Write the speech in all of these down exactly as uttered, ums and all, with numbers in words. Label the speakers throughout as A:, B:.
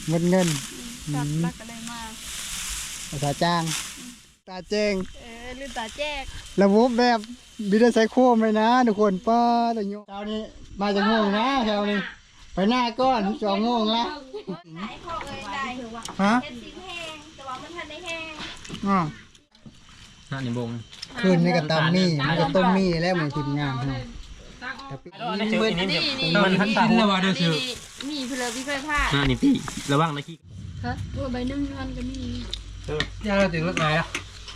A: หมดเงิน
B: จับรักอะไรมา
A: ภาษาจ้างตาแจ้ง
B: เออลืมตาแจ้ง
A: ระบบแบบบิดาไซโคมเลยนะทุกคนป้าตะโยเช้านี้มาจากโมงนะเช้านี้ไปหน้าก้อนสองโมงละฮะอ๋อ
C: ห้าหนึ่งโมง
A: คืนนี้กับตามมี่มันก็ต้มมี่แล้วมันทีมงานแต่ปี
C: นี้มัน
B: นี่นี่
C: มันทันตาแล้วว่าเดี๋ยวคือ
B: มีเพลพี่ไฟผ้า
C: ห้านี่พี่ระวังนะขี้
B: ฮะตัวใบนึ่งมันก็มี
C: เออเราถึงรถไหนอ่ะ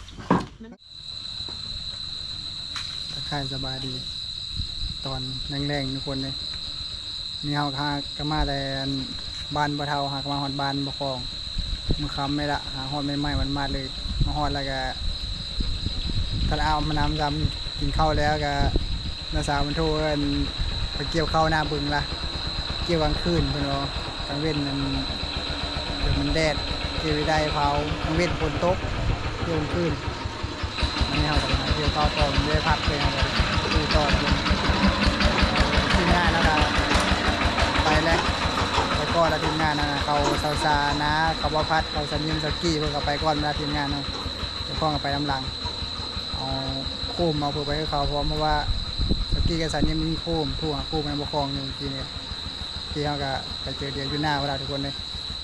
A: ทักทายสบายดีตอนแรงๆทุกคนเลยนี่เฮาหากมาแต่บ้านบ่เท่าหากมาฮอดบ้านบ่คลองมือคำไม่ละหาฮอดใหม่ๆมันมาเลยมาฮอดแล้วก็ถ้าเอามาน้ำซ้ำกินข้าวแล้วก็น้าสาวมันโทรไปเกี่ยวข้าวหน้าบึงละเกี่ยวกลางคืนเพื่อนว่ากลางเว้นมันเดี๋ยวมันแดดเกี่ยวได้เผากลางเว้นฝนตกเกี่ยวกลางคืนอันนี้เราเกี่ยวข้าวต่อมันได้พักเลยครับดูต่อทีมงานนะครับไปแล้วไปก่อนแล้วทีมงานนะเขาซาซานะเขาบพัดเขาสนิมสกี้เพื่อเขาไปก่อนเวลาทีมงานเนาะเดี๋ยวพ่อกับไปน้ำหลังเอาโค้มเอาเพื่อไปให้เขาพร้อมเพราะว่าสกี้กับสนิมมีโค้มทั่วโค้มมันบกคลองอยู่ทีนี้ที่เขาก็ไปเจอเดียวอยู่หน้าเวลาทุกคนเลย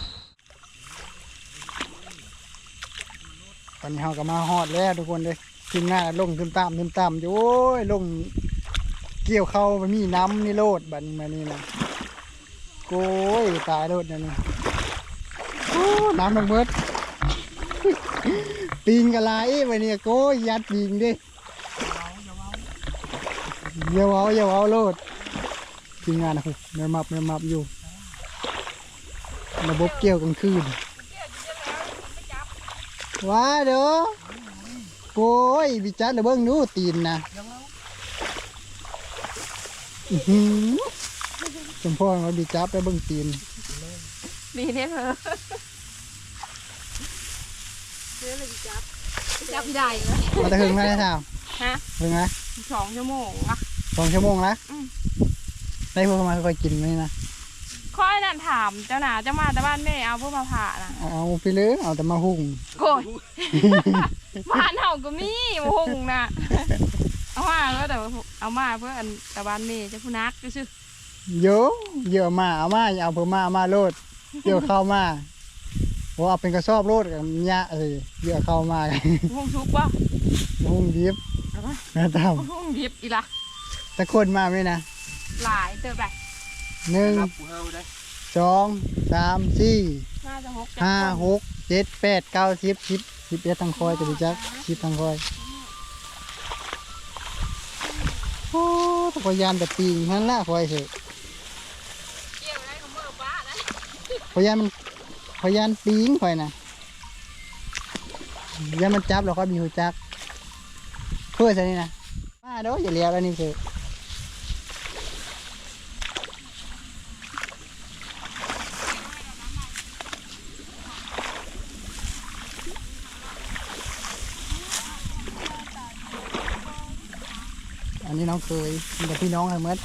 A: ตอนนี้เขาก็มาฮอดแล้วทุกคนเลยทีมงานลงขึ้นตามขึ้นตามอยู่โอ้ยลงเกี่ยวเข้าไปมีน้ำนี่โลดบันมานี่นะโก้ยตายโลดนะนี่น้ำมันเบิดปิงกะลายไปเนี่ยโก้ยยัดปิงดิเยาเอาเยาเอาโลดทีมงานนะคุณเนื้อมับเนื้อมับอยู่ระบบเกี่ยวกลางคืนว้าเด้อโก้ยบิจัดระเบิ้งนู้ตีนนะจมพ่อเราบิจับไปเบิ้งตีน
B: มีเนี่ยเพอเสื้อเลยจับจับไม่ได้เลย
A: มาจะหึงไหมท่าว
B: ฮะ
A: หึงไหม
B: สองชั่วโมงอะ
A: สองชั่วโมงแล้วได้พวกมาค่อยกินไหมนะ
B: ค่อยนั่นถามเจ้าหนาเจ้ามาแต่บ้านแม่เอาพวกมาผ่านะ
A: เอาไปเลยเอาแต่มาหุ่ง
B: โกรธบ้านเฮาก็มีมาหุ่งนะเอามาก็แต่เอามาเพื่ออันแต่บ้านแม่จะพูนักก็ชื่อ
A: เยอะเยอะมาเอามาเอาเพิ่มมาเอามาโลดเยอะเข้ามาว่าเอาเป็นกระสอบโลดกับเนี้ยเออเยอะเข้ามา
B: หุ่งชุบป่ะ
A: หุ่งดิบนะตาม
B: หุ่งดิบอีละ
A: แต่คนมาไหมนะ
B: หลายเติบแบบ
A: หนึ่งสองสามสี่ห้าหกเจ็ดแปดเก้าสิบสิบสิบเอ็ดตังคอยจะดีจักสิบตังคอยโอ้ตะกยานแต่ปีนั่นละคอยเถอะพยานมันพยานปีงคอยนะยานมันจับเราก็มีหูจักเพื่อใช่นี่นะมาเด้ออย่าเลี้ยวแล้วนี่คืออันนี้น้องเคยมีแต่พี่น้องเหรอเมื่อ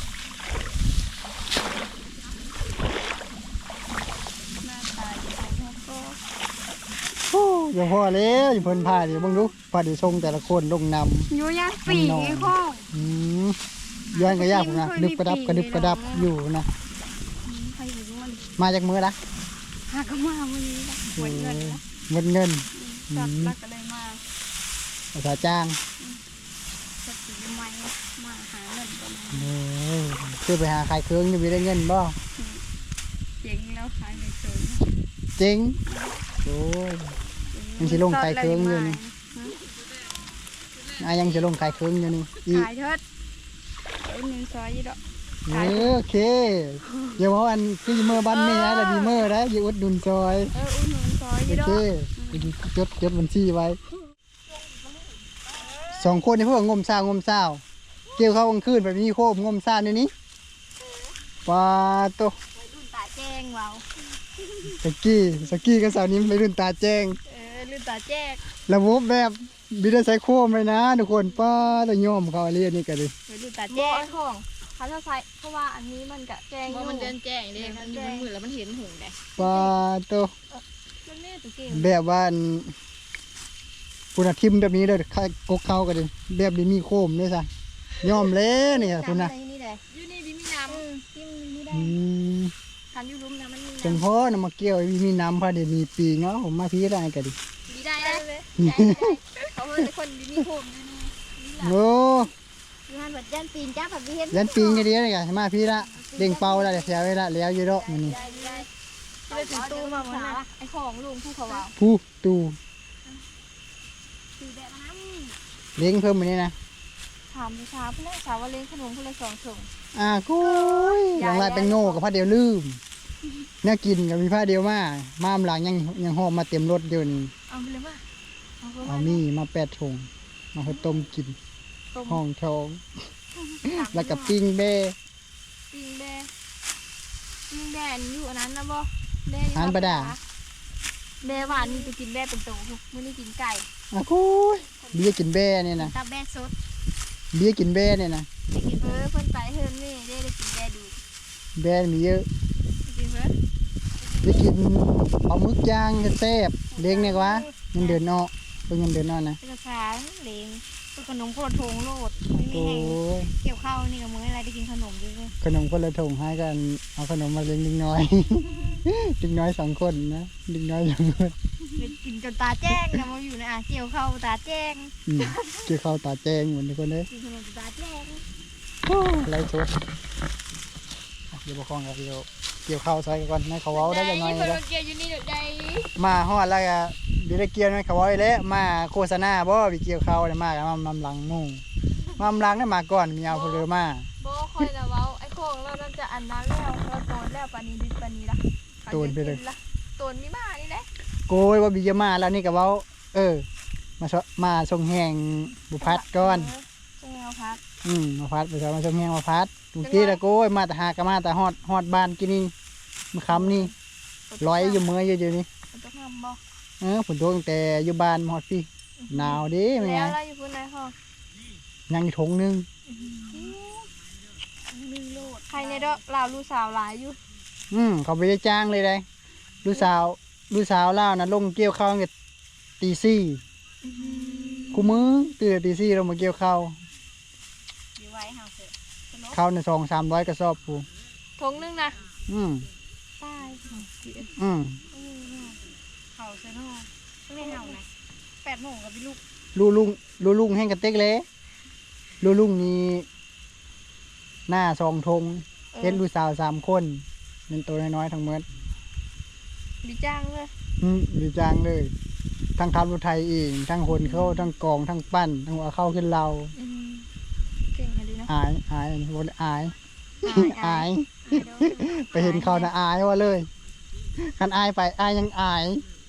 A: อย่าพอเลยอย่าพ้นผ้าดิบังดูผ้าดิทรงแต่ละคนลงนำ
B: อยู่ย่างปีกไอ้ข้อง
A: ย้อนก็ยากนะดึบกระดับกระดึบกระดับอยู่นะมาจากมือละ
B: หากมาวันนี้ละหมดเงิน
A: หมดเงิน
B: จับรักอะไรมา
A: ภาษาจ้าง
B: จะตีไม้มาหาเงินกัน
A: คือไปหาขายเครื่องอยู่มีได้เงินบ่
B: เจ๋งแล้วขายในเครื่อง
A: เจ๋งโอ้ยยังจะลงขายเครื่องอยู่นี่อายังจะลงขายเครื่องอยู่นี่
B: ขายเถิดเป็นเงินซอยยี่ดอก
A: โอเคเดี๋ยวอันคือเมื่อบ้านแม่แล้วมีเมื่อแล้วอยู่อุดดุนซอย
B: เอออุดหนุนซอยยี่ดอก
A: โอเคจดจดบัญชีไว้สองคนในพวกงมซ่างมซ่าเกี่ยวเข้ากลางคืนแบบนี้โคบงมซ่าในนี้ปลาโต
B: รุ่นตาแจ้งเรา
A: สกี้สกี้กับสาวนี้ไปรุ่นตาแจ้ง
B: เออรุ่นตาแจ้ง
A: ระบบแบบบิดาไซโคมเลยนะทุกคนป้าตะย่อมเขาเรียกนี่กันดิ
B: รุ่นตาแจ้งเขาจะใส่เพราะว่าอันนี้มันกะแจง
D: เพราะมันเดินแจ้งเด้มันอยู่มันมืดแล้วมันเห็นหงได้
A: ปลาโต
B: มันแม่ตัวเก่ง
A: แบบว่าอันคุณอาทิมแบบนี้เลยค่ายกกเข้ากันเลยแบบนี้มีโคมด้วยซะยอมแล้วเนี่ยคุณนะ
D: นี่แหละอยู่นี่ดิมีน้ำกินนี่ได้
A: อืม
D: คันอยู่ลุ่มนะมันมี
A: จังพ่อนำมาเกี่ยวมีน้ำพาเดี๋ยวมีปีเนาะผมมาพี่ได้กันดิ
D: ดีได้เลยเขาเป็นคนดีมีโฮมอยู่นี่
A: โอ้
D: อยู่หันบัดยันปีนจ้าแบบเห็น
A: ยันปีงกันดีเลยกันมาพี่ละเด้งเป่าละเดี๋ยวเสียเวลาแล้วอยู่ดอกมันนี่
D: ได้ได้ไปถึงตู้มาหมดนะไอ้ของลุงผู้เขาว่า
A: ผู้ตู
D: ตีแบบน้ำ
A: เลี้ยงเพิ่มมานี่นะ
B: ถามเช้าเพื่อนสาวว่าเลี้ยงขนมเพื่อนสองถุง
A: อ่ากุ้ยอย่างไรเป็นโง่กับผ้าเดียวลืมเนี่ยกินกับมีผ้าเดียวมามาหลังยังยังหอมมาเต็มรถเดียวนี่
B: เอาไปเลยว่าเอาไป
A: เอามีมาแปดถุงมาให้ต้มกิน
B: ต้ม
A: ห้องทอง แล้วกับปิ้งเบ้
B: ปิ้งแบปิ้งแบนอยู่อันนั้นนะบ่แบ
A: อันประดา
B: แบหวานนี่จะกินแบเป็นโตมื้อนี้กินไก่
A: อ่ะกุ้ยเบี้ยกินเบ้เนี่ยนะ
D: ตาแบ่สด
A: เบี้ยกินเบ้เนี่ยนะ
B: ไปกินเพิ่นเพิ่นไปเพิ่นนี่ได้ได้กินแบดู
A: เบ้มีเยอะ
B: กินเพิ่น
A: ได้กินปลาหมึกย่างแซ่บเลี้ยงเนี่ยกว่าเงินเดือนนอกเป็นเงินเดือนนอกนะ
D: เป็นภาษาเล้งเป็นขนมโคตรทงโลดไม่มี
A: โอ้
D: แห้ง
A: ย
D: เกี่ยวข้าวนี่กับมื้ออะไรได้กินขนมด้วย
A: ขนมคนละถุงให้กันเอาขนมมาเลี้ยงลิงน้อย ลิงน้อยสองคนนะลิงน้อยสองคน
D: เป็นกินจนตาแจ้งนะมาอยู่ในอ่างเกี่ยวข้าวตาแจ้ง
A: อืมเกี่ยวข้าวตาแจงเหมือนทุกคนเลย
D: กินขนมจนตาแจ้ง
A: ไรชดเดี๋ยวบอกคองครับเดี๋ยวเกี่ยวข้าวใส่ก่อนให้เขาเว้าได้ยังไง
D: เพิ่น
A: นะ
D: มาเกี่ยวอยู่นี่เดี๋ยวใด
A: มาฮอดแล้วก็เดี๋ยวได้เกี่ยวให้เขาเว้าได้แล้วมาโฆษณาบ่ไปเกี่ยวข้าวได้มากันมามำหลังหมู่มำหลังได้มาก่อนมีเอาเพนเลือมา
B: บ่ค่อยนะเว้าไอ้ของเรานั่นจะอันนั้นแล้วเราโตนแล้วปานนี้ดิปานนี้ละโตนมีมานี่แหละ
A: โกยว่าบิจะมาแล้วนี่ก็เว้า เออ มาชมาส่งแหงบุพัดก่อน
B: ใช่เอาพัด
A: อืมมาพัดไปซะมาส่งแหงมาพัดทุกทีละโกยมาแต่หากะมาแต่ฮอดฮอดบ้านกินนี่มื้อค่ำนี่ร้อยอยู่เมื่ออยู่เดี๋ยวนี้
B: มันจะทำบ่
A: เออฝนตกตั้งแต่อยู่บ้านมาฮอดพี่หนาวเดิแม่
B: แล้วเราอยู่พุ่นไหนห้อง
A: ยังอีกถุงหนึง
B: หนึ่งโลดใครในเด้อลาวลูกสาวหลายอยู่
A: อืมเขาไปได้จ้างเลยได้ลูกสาวลูกสาวเล่าวนะลงเกี่ยวข้าวตั้งแต่ตีสี่กูมือตื่นแต่ตีสี่ลงมาเกี่ยวข้าว
D: อยู่ไว้ห่างเถอะ
A: ข้าวในซองสามร้อยกระสอบกู
B: ทงนึงนะ
A: อืม
B: ตาย
A: อืม
D: เห่าเซนอไม่เห่านะแปดโมงกับพี่ลูก
A: ลูลุงลูลุงแห้งกระเต็กเลยลูลุงนี่หน้าซองทงเห็นลูกสาวสามคนเป็นตัวน้อยๆทั้งหมด
B: ดีจ้างเลย
A: อืมดีจังเลย ทั้งขับรถไทยเองทั้งคนเข้าทั้งกองทั้งปั้นทั้งหัวเข้าขึ้นเรา
B: เก่งกันดีนะ
A: อายอายบนอาย อาย ไปเห็นเขานะอายว่าเลยคันอายไปอายยังอาย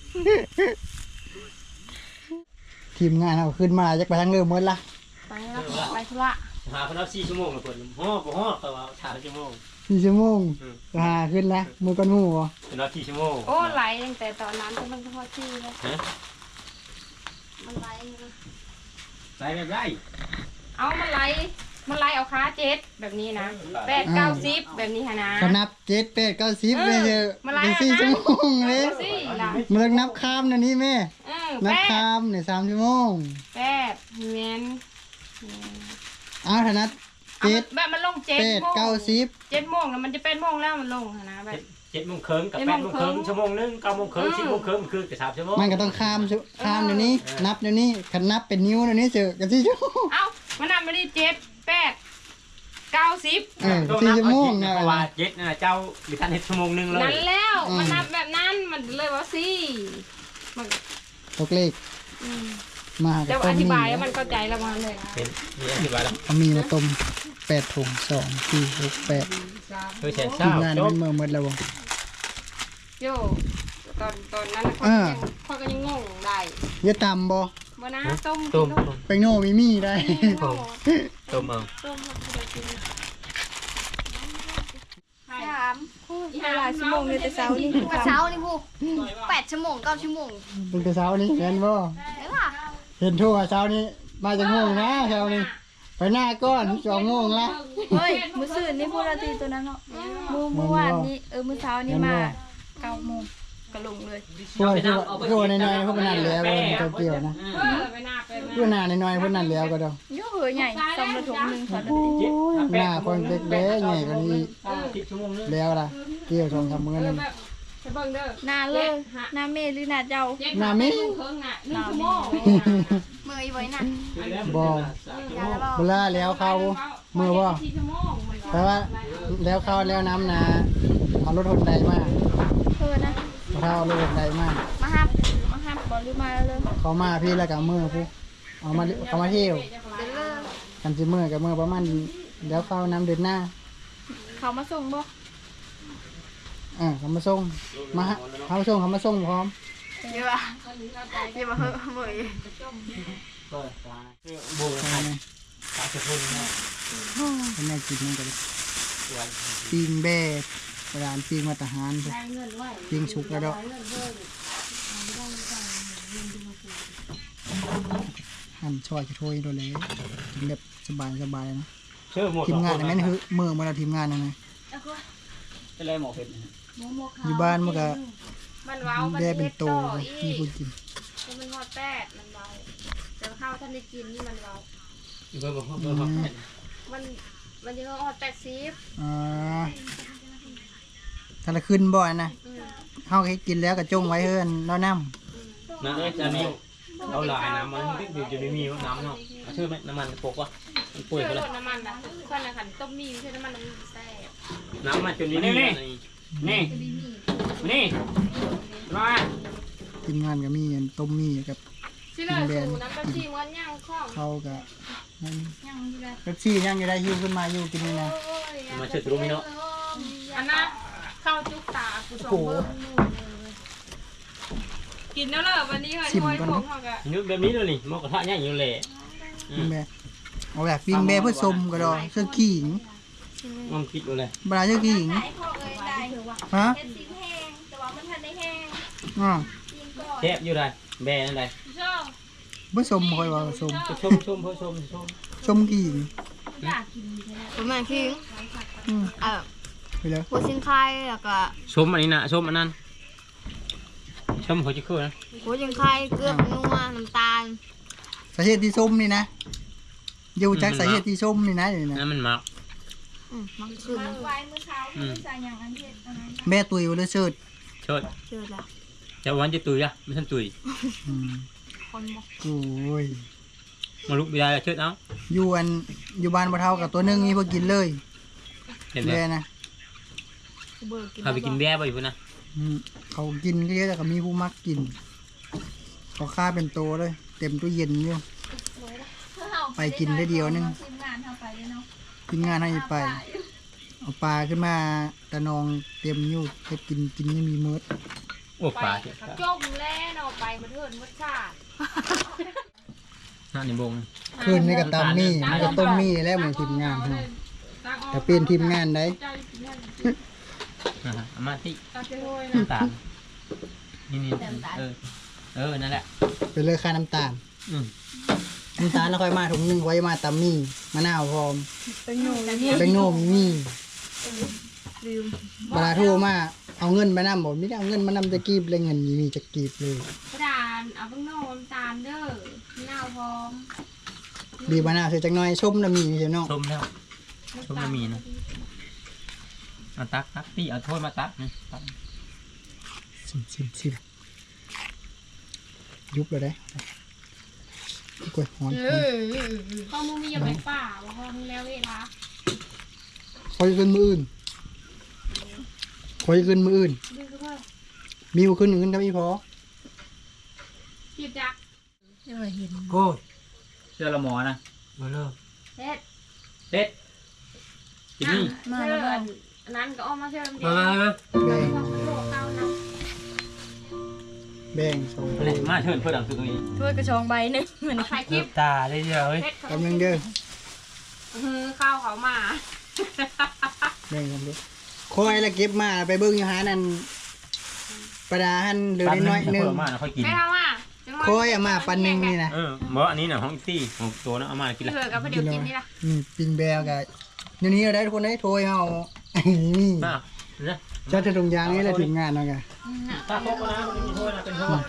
A: ทีมงานเราขึ้นมาจะไปทางเรือเมื่อละ
B: ไปแล้วไปธุระ
C: หาคนเอาสี่ชั่วโมงเลยคนห่อบ่ห่อแต่ว่าสามชั่วโมง
A: สี่ชั่วโมง
C: อืม
A: หาขึ้นแล้วมือก้อนหมูเหรอ
C: เป็นว่าสี่ชั่วโมง
B: โอ้ไหลตั้งแต่ตอนนั้นก็มันก็พอชื่อแล้ว
C: ฮะ
B: มันไหลนะ
C: ใส่แบบไร
B: เอามันไหลมันไหลเอาขาเจ็ดแบบนี้นะแปดเก้าสิบแบบนี้ฮะนะ
A: ก็นับเจ็ดแปดเก้าสิบ
B: เออ
A: เลยเถอะ
B: มาไล่
A: เป็นสี่
B: เอานะ
A: ชั่วโมงเลย
B: สิล่ะ
A: มันเลิกนับข้ามนะนี่แม่
B: เออ
A: นับ
B: แปด
A: ข้ามเนี่ยสามชั่วโมง
B: แปดเงี้ย
A: เอาเถอะนัด
B: เอา
A: เจ็ด
B: แบบมันลงเจ็ด
A: แปด
B: โมง
A: เก้าสิบ
B: เจ็ดโมงแล้วมันจะเป็นโมงแล้วมันลงหั่นนะแบบ
C: เจ็ดโมงครึ่งกับ
B: เจ็ด
C: แป
B: โม
C: ด
B: ง
C: โมง
B: ค
C: ค
B: รึ่
C: รึ่
B: ง
C: งชั่วโมงหนึงเก้าโมงครึ่ง
B: อืม
C: สิบโมงครึ่งคือกับสามชั่วโมง
A: มันก็ต้องข้ามชั่วข้ามเดี๋ยวนี้
C: เออ
A: นับเดี๋ยวนี้ขันนับเป็นนิ้วเดี๋ยวนี้เจอกันสี่ชั่วโมง
B: เอ้ามันนับไม่ได้เจ็ดแปดเก้าสิบ
A: เออ
C: ต้อง
A: สี่
C: นับ
A: ชั่วโมง
C: เอา
A: นะ
C: เจ็ดเพราะว่าเจ็ดนั่นน่ะเจ้าดิฉันเฮ็ดชั่วโมงหนึงเลย
B: นั่นแล้ว
A: อืม
B: มันนับแบบนั้นมันเลยว่าสี่มัน
A: ตกเลข
B: อืม
A: มา
B: จะ
A: ต้
B: อ
A: ม
B: ธิ
A: มี
B: บายแล้วมันเข้าใจแล้วมันเลย
C: เป็นมีอธิบายแล้ว
A: เอามีมาต้มแปดถุงสองสี่หกแปด
C: เฮ้ยแสน
A: ที
C: เศร้าม
A: งาน
C: จบ
A: เป็นเมื่อหมดแล้วบ่
B: โยตอนตอนนั้นเขา
A: อ่า
B: ยังเขาก็ยังงงได้
A: เยอะตำบ่
B: บ่นะต้ม
C: ต้ม
B: กิน
C: ต้ม
A: ไปโน่มีมีได้
B: โง่
C: ต้มเอา
B: ต้มแล้วก็ได้กิน
D: สามอีหลายชั่วโมงเลยแต่เช้านี่แต่เช้านี่พูแปดชั่วโมงเก้าชั่วโมง
A: เป็นแต่เช้านี้เห็นบ่
D: เห็นป่ะ
A: เห็นทั่วเช้านี้มาจากโมงนะเช้านี้ไปหน้าก้อนสองโมงละ
B: เฮ้ยมื้อซื่นนี่พูดละทีตัวนั้นเนาะมื้อเมื่อวานนี้เออมื้อเช้านี้มาเก้าโมงก็ลงเลย
A: พวกที่ว่าพวกน้อยๆพวกนั้นแล้วมันเกี่ยวนะ
B: เออไปหน้าไป
A: พวกหน้าน้อยๆพวกนั้นแล้วก็ดอก
B: เยอะเหยใหญ่ซอมละถุงนึงค่ะ
A: โอ้ยหน้าคนเล็กๆใหญ่กว่านี้
C: สิบชั่วโมงนึง
A: แล้วล่ะเกี่ยวสองสามมื้อนึง
B: ไปเบิ่งเด้อหน้าเลยหน้าเมหรือหน้าเจ้า
A: หน้ามิ
B: เพิ่งน่ะ1ชั่วโมง
D: เมื่อยไว้น่ะ
A: บ่
D: ยาแล้ว
A: เวลาแล้วเข้ามือบ่
B: สี่ชั่วโมงมัน
A: แปลว่าแล้วเข้าแล้วน้ำนาเอารถหนใดมา
B: เพิ่นนะ
A: ถ้าเอารถหนใดมา
B: มาฮับมาฮับบ่หรือมาเลย
A: เขามาพี่แล้วกับมือผู้เอามาเขามาเที่ยว
D: เดินเลิก
A: กันสิมือกับมือประมาณแล้วเข้าน้ำเดือนหน้า
B: เขามาส่งบ่
A: อ่าเขามาส่งมาฮะเขามาส่งเขามาส่งพร้อม
D: เยอะอะเยอะมาเฮ้ยเมื่อย
C: เปิดตาคือโบ
A: ใช่ไหม
C: ตาจะพุ่นเนาะ
A: เป็นแม่กินนั่นกันปิ้งแบ่กระดานปิ้งมาตรฐานพวกปิ้งชุกแล้วดอกหั่นช่อยจะถ้วยโดนเลยกินแบบสบายสบายนะ
C: เชื่อหมด
A: ทีมงานอันนั้นคือมือมาแล้วทีมงานนั่นไง
C: เป็นไรหมอเผ็ด
A: อยู่บ้านมันก็
B: มันเว้ามัน
A: แบ่เป็นโต
B: อี
A: มี
B: ก
A: คนกิน
B: มันฮอดแปดมันเว้าแต่ข้าวท่านได้กินนี่มันเว้า
C: เบอร์เบอร์เบอร์
B: มันมันจะฮอดแปดสิบ
A: อ่าถ้าเราขึ้นบ่อยนะเขาให้กินแล้วก็จงไว้เฮือนแล้วน้
C: นะอันนี้เอาหลายน้ำมันอยู่จะไม่มีน้ำเนาะชื่อไหมน้ำมันปกวะมันป่วย
B: เชื่อ
C: ไป
B: ร
C: เลย
B: สน้ำมันนะคนละขันต้มมีใช่น้ำมันน้ำแซ่บ
C: น้ำมันจนนี่นี่นี่นี่มา
A: ำทีมงานก็มีอันต้มมีกับ
B: สิเลยสูน้ำกะทิมันย่างข้อง
A: เขาก็นั่น
B: ย่างอยู่เลย
A: เป๊ปซี่ยังอยู่ได้หิวขึ้นมาอยู่กินนี่นะ
C: มาเชิดรู้ไหมเนาะ
B: อันน่ะข้าวจุกตากูส่งเบิ้งกินแล้วเหรอวันนี้เฮ้ยห้อยผมเขาก็
C: นึกแบบนี้เลยนี่มอกระทะเนี่ยอยู่เลย
A: ปิ้งแม่เอาแบบปิ้งแม่เพื่อชมก็ดอกเสื้อขิง
C: มันคิดเลย
A: บลาเสื้อขิง
D: ไหนพ่อเอ้ยได้
A: ฮะ
D: เห็ดสีแห้งแต่ว่ามันทันได้แห้ง
A: อ๋อ
D: กินก่อน
C: เทปอยู่ไรแบนั่นไร
B: ชอบ
A: เพื่อชมคอยว่าชม
C: ชมชมเพื่อชมชม
A: ชมขิง
D: ผมเหมือนคิง
A: อืม
D: เอ่อ
A: ไปแล้ว
D: หัวชิงไข่แล้วก็
C: ชมอันนี้นะชมอันนั้นชมหัวจิ๋วนะ
D: หัวชิงไข่เกลือนัวน้ำตาล
A: สาเหตุที่ส้มนี่นะอยู่จากสาเหตุที่ส้มนี่นะอยู่นะ
C: นั่นมันมัก
D: อืมมันขึ้น
B: ไว้เมื่อเช้าใส่อย่างอันเด็ดอันนั้น
A: แม่ตุยเลยเชิด
C: เชิด
D: เชื่อละ
C: จะวันจะตุยอะไม่ทันตุย
A: อืม
D: คนบอก
A: โอ้ย
C: มาลุกไม่ได้เชิดเอา
A: อยู่อันอยู่บ้านบ่เท่ากับตัวหนึงนี่พอกินเลย
C: เห็นไหม
A: แม่นะ
D: เบื่อกิน
C: พาไปกินแบ่บ่อยู่พุ่นนะ
A: อืมเขากินก็เยอะแต่ก็มีผู้มักกินเขาฆ่าเป็นโตเลย เต็มตู้เย็นอยู่ไปกินได้เดียวนึง
B: ทีมงานทำไปเลยเนาะ
A: กินงานให้ไป เอาปลาขึ้นมาตะนองเต็มอยู่เก็บกินกินไม่มีเมิด
C: โอ้ปลา
B: จมแล้วเนาะไปมาเถินวัดชาติ
C: นั่นนี่บง
A: คืนนี้กับตำมี่มันก็ต้มมี่แล้วเหมือนทีมงานฮะแต่เป็นทีมงานได้
C: นะฮะอามาที่
B: ตาเจ้าโวยนะ
C: น้ำตาลนี่นี่เออเออนั่นแหละ
A: เป็นเลยค่าน้ำตาล
C: อืม
A: น้ำตาลแล้วค่อยมาถุงหนึงไว้มาตำมี่มะนาวพร้อม
B: เป็นหนู
A: แบงโนมีมี่เวลาโทรมาเอาเงินมานำบอกไม่ได้เอาเงินมานำจะกีบเลยเงินมีจะกีบเลย
B: กระดานเอาเพิ่งโน้มตาลเด้อหน้าพร้อม
A: บีบมะนาวใส่จักหน่อยชมน้ำมีใช่เนาะ
C: ชมแล้วชมแล้วมีนะเอาตักตักตีเอาถ้วยมาตักนี่ตัก
A: ชิมชิมชิมยุบเลยได้กล้วยหอน
B: ข้อมูลมีอย่าไปป่าว่าข้อมูลแล้วเวลา
A: คอยขึ้นมืออื่นคอยขึ้นมืออื่น
B: ดื้อเพิ่ม
A: มีขึ้นอื่นทำอีพอ
B: จีบจัก
C: โอ้ยเสื้อละหมอนะมาเลิก
B: เฮ็ด
C: เด็ดกินนี่
B: มาแล้วอันนั้นก็ออกมาเชื่อมเดีย
C: มาว มามา
A: แบ่ง
B: โลกเก้านะ
A: แบ่งสอง
C: มาเลยมาเชิญเพื่อนดังสุดตรงนี้
B: ถ้วยกระชองใบหนึ่งเหมือนถ่ายคลิป
C: ตาได้เดียวเฮ้ย
B: เฮ็ด
A: กำลังเด้อ
B: ข้าวเขามา
A: แบ่งกันด้วยคอยละเก็บมาไปเบิ้งอยู่หานั่นประดาหันเหลือน้อยๆหนึง
C: มาค่อยกิน
B: ไม่ทำอ่ะ
A: โค้ยเอามาปันหนึงนี่นะ
C: เออบ่อันนี้น่ะของอีตี้ของตัวนะเอามากินละ
B: เลือกกับเดี๋ยวกินนี่ล่ะ
A: นี่ปิงแบวกับเดี๋ยวนี้เราได้ทุกคนได้โทยเอานี่
C: มาเนี่ย
A: เจ้าจะตรงยางนี่แหละถึงงานเนาะแก
C: ตาโคกนะมันมีโทษนะเป็นโทษ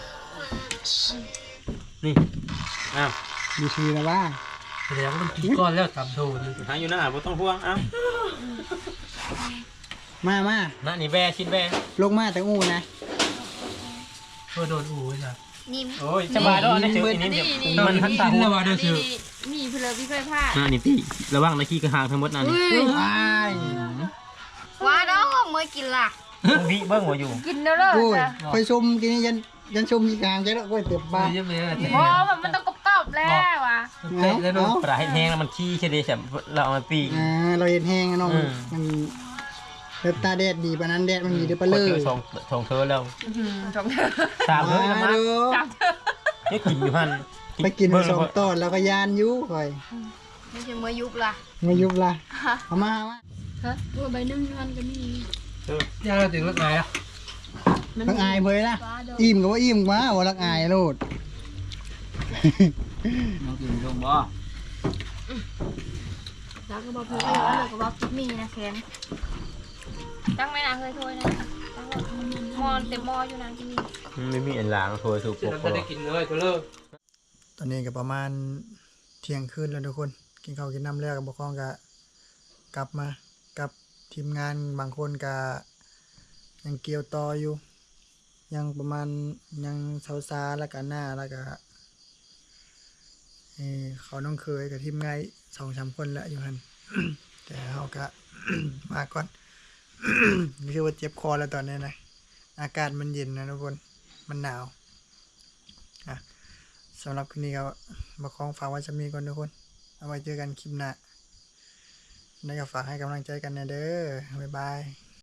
C: นี่อ้าว
A: ดีทีแล้วว่า
E: แสดงว่ามันกินก้อนแล้วตำโทน
C: หาอยู่หน้าบ่ต้องห่วงเอ้า
A: มามา
C: นั่นนี่แบชิ้นแบ
A: ลงมาแต่อู้นะ
E: เพื่อโดนอู๋จ้ะ
D: นิ่ม
C: โอ้ยสบายแล้วนะเจออันนี้เดี๋ยวมันทันตา
E: กิน
C: หั
E: แล้ว วว่าเด้อเชื่อ
B: มีเพลอพี่เคยพลาด
C: นั่นนี่ตี้ระวังนะขี้กระหางทั้งหมดนั่นนี่
A: ว้าย
D: ว่าน้องเมื่อกินล่ะ
C: วิเบิ้งหัวอยู่
B: กินแล้วเลย
A: โอ้ย
B: จ้ะ
A: ไปชมกินยันยันชมมีกลางใจแล้วโอ้ยเต็มบ้าน
E: เยอะไปเลยแต่
B: เพราะมันต้องกรอบๆแล้วอ่ะ
E: เตะแล้วโดน
C: ปลาแห้งแล้วมันขี้ใช่ดิฉันเราเอามาปีก
A: อ่าเราเห็นแห้งอะน้อง
C: อืม
A: มันเล็บตาแดดดีปานนั้นแดดมันมีเดือปลาเล
C: เจ
A: ย
C: อสองสองเธอแล้ว
B: ชมเธอ
C: สามเธอแล้ว
A: มา
C: มั้ง
A: ดู
C: นี่กินอยู่หัน
A: ไปกินไปสองตอนแล้วก็ยานอยุค่อย
D: ไม่ใช่เมื่อยุบล่ะ
A: มายุบละเอามาเอามา
B: ฮะตัวใบนึ่งมันก็มี
E: ย่างเราถึงรถไหนอ่ะ
A: ลักอายเพยนะอิ่มก็ว่าอิ่มมาว่าลักอายโลด
E: น้องกินลงบ่
D: แล้วก็บอกเพื่อนก็อยากเลยก็บอกคิดมีนะแคน
B: ตั้งไม่นานเคยโทยนะตั้งมอนเต็มมออยู่นานที่นี่
C: ไม่มีอันล้างโทรถูกป
E: จะ
C: ก
E: เราได้กินเลยตัวเลิก
A: ตอนนี้ก็ประมาณเที่ยงคืนแล้วทุกคนกินข้าวกินน้ำแล้วกับบกครองก็กลับมากับทีมงานบางคนก็ยังเกี่ยวต่ออยู่ ยังประมาณยังเสาซาแล้วก็หน้าแล้วก็เอ่อเขาน้องเคยกับทีมงานสองสามคนแล้วอยู่หัน แต่เขาก็ มาก่อน นี่คือว่าเจ็บคอแล้วตอนนี้นะอากาศมันเย็นนะทุกคนมันหนาวอ่ะสำหรับคืนนี้ก็มาคล้องฝากไว้จะมีก่อนทุกคนเอาไว้เจอกันคลิปหน้าแล้วก็ฝากให้กำลังใจกันนะเด้อบ๊ายบาย